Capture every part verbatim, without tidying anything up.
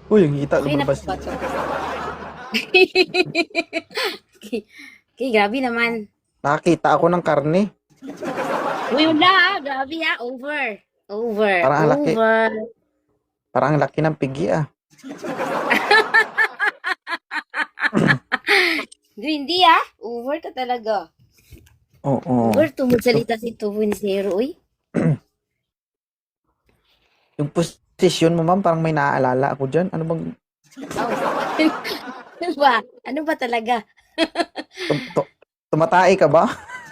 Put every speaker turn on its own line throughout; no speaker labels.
Uy, yung hita
Okay na po
lumabas.
ba 'to? Okay, okay, grabe naman.
Nakakita ako ng karne.
Uy, wala ah, grabe ah, over. Over,
Parang ang laki.
over.
Parang ang laki ng pigi ah.
Hindi, hindi ah, over ka talaga.
Oo.
Over to magsalita si two point oh, uy.
Yung posisyon mo, ma'am, parang may naaalala ako dyan. Ano bang,
Oh. Ano ba? Ano ba talaga?
tum, tu- tumatay ka ba?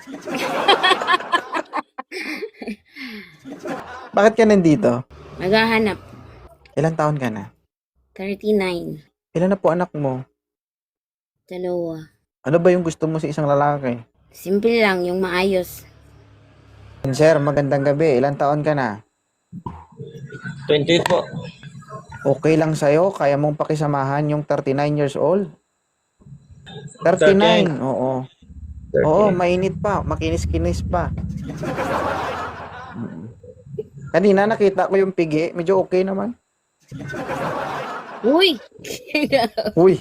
Bakit ka nandito?
Naghahanap.
Ilang taon ka na?
thirty-nine.
Ilan na po anak mo?
Dalawa.
Ano ba yung gusto mo sa isang lalaki?
Simple lang, yung maayos.
Sir, magandang gabi. Ilang taon ka na?
twenty-eight po.
Okay lang sa'yo? Kaya mong pakisamahan yung thirty-nine years old?
thirty-nine.
thirty-nine, oo. Oo,
thirty-nine.
mainit pa. Makinis-kinis pa. Kanina nakita ko yung pigi. Medyo okay naman.
Uy!
Uy,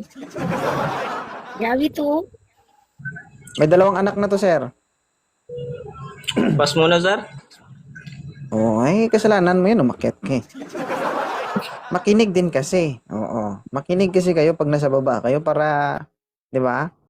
Grabe to.
may dalawang anak na to, sir.
Pass muna, sir.
Oo, ay kasalanan mo yun. Umakyat ka eh. Makinig din kasi. Oo. Makinig kasi kayo pag nasa baba kayo para, di ba?